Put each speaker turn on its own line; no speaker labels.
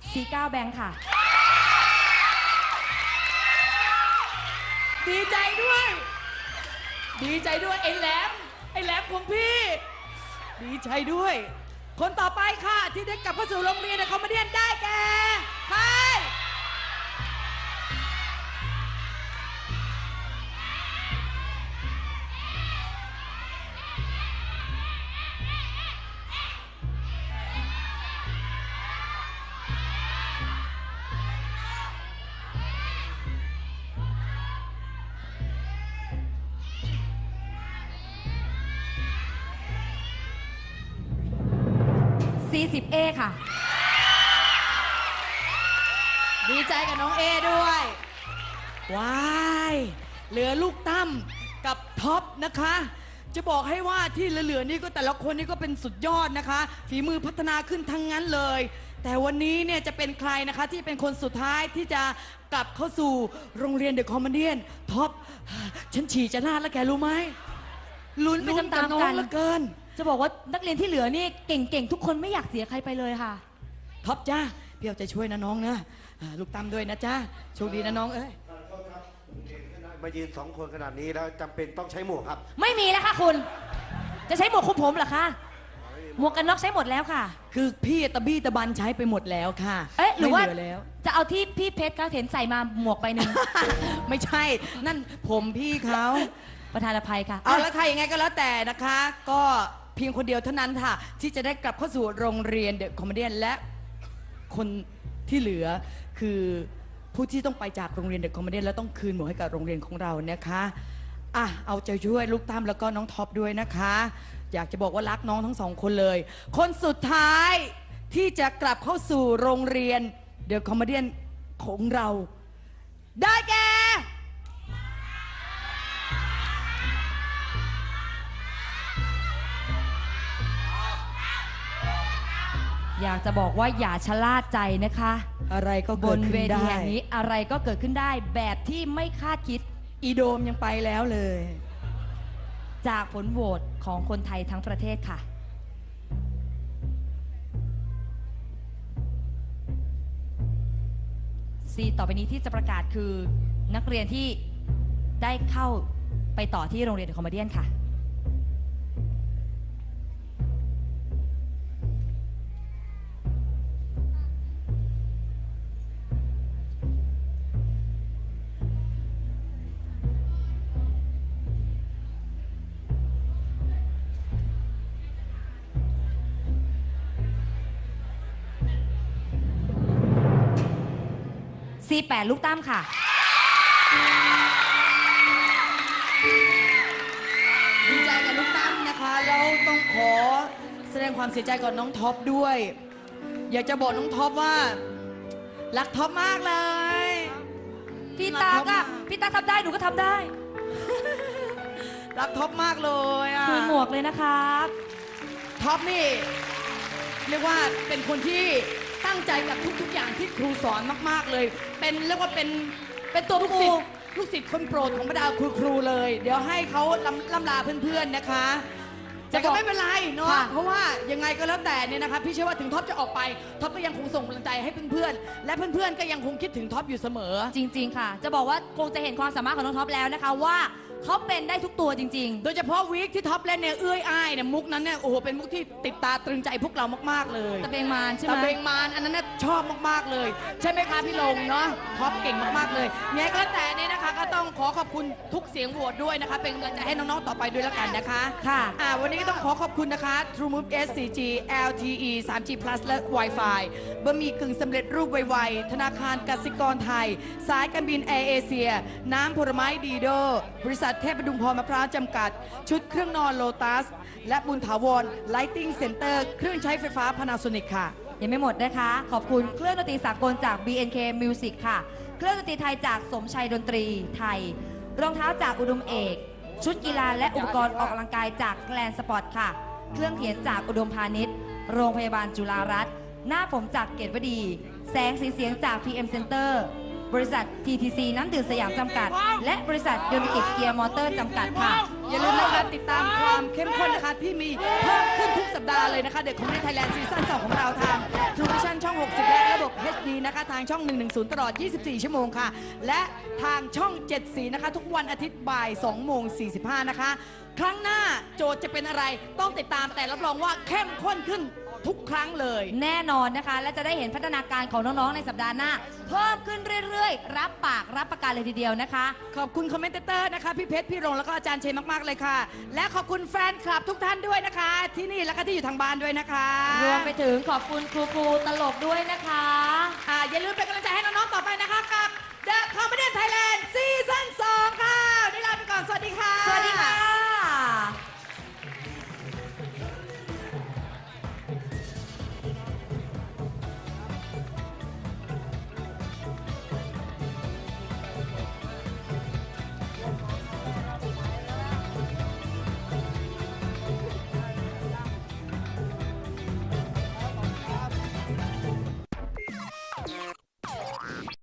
C9 แบงค์ค่ะ
ดีใจด้วยดีใจด้วยไอ้แหลมของพี่ดีใจด้วยคนต่อไปค่ะที่ได้กลับเข้าสู่โรงเรียนคอมเมดี้ได้แก่ใคร
40A ค่ะ
ดีใจกับน้องเอด้วยว้ายเหลือลูกตั้มกับท็อปนะคะจะบอกให้ว่าที่เหลือๆนี่ก็แต่ละคนนี่ก็เป็นสุดยอดนะคะฝีมือพัฒนาขึ้นทั้งนั้นเลยแต่วันนี้เนี่ยจะเป็นใครนะคะที่เป็นคนสุดท้ายที่จะกลับเข้าสู่โรงเรียนเดอะคอมเมดี้ท็อปฉันฉี่จะลาดแล้วแกรู้ไหมลุ้นไปตามๆกันเหลือเกิน
จะบอกว่านักเรียนที่เหลือนี่เก่งๆทุกคนไม่อยากเสียใครไปเลยค่ะ
ท็อปจ้าพี่เอาใจช่วยนะน้องนะลูกตั้มด้วยนะจ้าโชคดีนะน้องเอ้ย
มายืน2 คนขนาดนี้แล้วจำเป็นต้องใช้หมวกครับ
ไม่มีแล้วค่ะคุณจะใช้หมวกคุมผมเหรอคะหมวกกันน็อกใช้หมดแล้วค่ะ
คือพี่ตะบี้ตะบันใช้ไปหมดแล้วค่ะ
เอ๊ะหรือว่า
แล้ว
จะเอาที่พี่เพชรเขาเห็นใส่มาหมวกไปหนึ่ง
ไม่ใช่นั่นผมพี่เขา
ประธานอภัยค่ะ
เอาแล้วใครยังไงก็แล้วแต่นะคะก็เพียงคนเดียวเท่านั้นค่ะที่จะได้กลับเข้าสู่โรงเรียนเดอะคอมเมดี้และคนที่เหลือคือผู้ที่ต้องไปจากโรงเรียนเดอะคอมเมดี้แล้วต้องคืนหมวกให้กับโรงเรียนของเรานะคะอ่ะเอาใจช่วยลูกตั้มแล้วก็น้องท็อปด้วยนะคะอยากจะบอกว่ารักน้องทั้ง2 คนเลยคนสุดท้ายที่จะกลับเข้าสู่โรงเรียนเดอะคอมเมดี้ของเราได้แก่
อยากจะบอกว่าอย่าชะล่าใจนะคะ
อะไรก็
บ
เกิด
น
ขึ้นได้
เวทีแห่งนี้อะไรก็เกิดขึ้นได้แบบที่ไม่คาดคิด
อีโดมยังไปแล้วเลย
จากผลโหวตของคนไทยทั้งประเทศค่ะซีต่อไปนี้ที่จะประกาศคือนักเรียนที่ได้เข้าไปต่อที่โรงเรียนเดอะคอมเมดี้ค่ะC8 ลูกตั้มค่ะ
ดีใจกับลูกตั้มนะคะแล้วต้องขอแสดงความเสียใจกับน้องท็อปด้วยอยากจะบอกน้องท็อปว่ารักท็อปมากเลย
พี่ตาก็พี่ตาทำได้หนูก็ทำได้
รักท็อปมากเลยอ่ะ
คืนหมวกเลยนะครับ
ท็อปนี่เรียกว่าเป็นคนที่ตั้งใจกับทุกๆอย่างที่ครูสอนมากๆเลยเป็นเรียกว่าเป็นตัวลูกศิษย์คนโปรดของบรรดาครูเลยเดี๋ยวให้เขาล่ำลาเพื่อนๆนะคะแต่ก็ไม่เป็นไรเนาะเพราะว่ายังไงก็แล้วแต่เนี่ยนะคะพี่เชื่อว่าถึงท็อปจะออกไปท็อปก็ยังคงส่งกำลังใจให้เพื่อนๆและเพื่อนๆก็ยังคงคิดถึงท็อปอยู่เสมอ
จริงๆค่ะจะบอกว่าคงจะเห็นความสามารถของน้องท็อปแล้วนะคะว่าเขาเป็นได้ทุกตัวจริง
ๆโดยเฉพาะวีคที่ท็อปเล่นเนี่ยเอื้อยอ้ายเนี่ยมุกนั้นเนี่ยโอ้โหเป็นมุกที่ติดตาตรึงใจพวกเรามากๆเลย
ตะเบงมารใช่ไหม
ตะเบงมารอันนั้นชอบมากๆเลยใช่ไหมคะพี่ลงเนาะท็อปเก่งมากๆเลยไงก็แล้วแต่เนี่ยนะคะก็ต้องขอบคุณทุกเสียงโหวตด้วยนะคะเป็นกำลังใจให้น้องๆต่อไปด้วยแล้วกันนะคะ
ค่ะ
วันนี้ก็ต้องขอบคุณนะคะ True Move S 4G LTE 3G Plus และ Wi-Fi บะหมี่กึ่งสำเร็จรูปไวๆธนาคารกสิกรไทยสายการบินแอร์เอเชียน้ำผลไม้ดีโดบริษัทเทพดุงพรมะพร้าวจำกัดชุดเครื่องนอนโลตัสและบุญถาวร Lighting Center เครื่องใช้ไฟฟ้า Panasonic ค่ะ
ยังไม่หมดนะคะขอบคุณเครื่องดนตรีสากลจาก BNK Music ค่ะเครื่องดนตรีไทยจากสมชัยดนตรีไทยรองเท้าจากอุดมเอกชุดกีฬาและอุปกรณ์ออกกำลังกายจากแกลนสปอร์ตค่ะเครื่องเขียนจากอุดมพาณิชย์โรงพยาบาลจุฬารัตน์หน้าผมจากเกตวดีแสงสีเสียงจาก PM Center บริษัท TTC น้ำดื่มสยามจำกัด และบริษัทยนต์กิจเกียร์มอเตอร์จำกัดค่ะ
อย่าลืมนะคะติดตามความเข้มข้นนะคะที่มีเพิ่มขึ้นทุกสัปดาห์เลยนะคะเด็กคอมเมดี้ไทยแลนด์ซีซั่น2ของเราทาง True Vision ช่อง 60 และระบบ HD นะคะทางช่อง 110 ตลอด 24 ชั่วโมงค่ะ และทางช่อง 74 นะคะทุกวันอาทิตย์บ่าย 2:45 นะคะ ครั้งหน้าโจทย์จะเป็นอะไรต้องติดตามแต่รับรองว่าเข้มข้นขึ้นทุกครั้งเลย
แน่นอนนะคะ และจะได้เห็นพัฒนาการของน้อง ๆ ในสัปดาห์หน้า เพิ่มขึ้นเรื่อย ๆ รับปากรับประกันเลยทีเดียวนะคะ
ขอบคุณคอมเมนเตอร์นะคะพี่เพชรพี่รงแล้วก็อาจารย์เชนมาก ๆ เลยค่ะ และขอบคุณแฟนคลับทุกท่านด้วยนะคะ ที่นี่และก็ที่อยู่ทางบ้านด้วยนะคะ
รวมไปถึงขอบคุณครูตลกด้วยนะคะ
อย่าลืมเป็นกำลังใจให้น้อง ๆ ต่อไปนะคะกับ The Comedian Thailand Season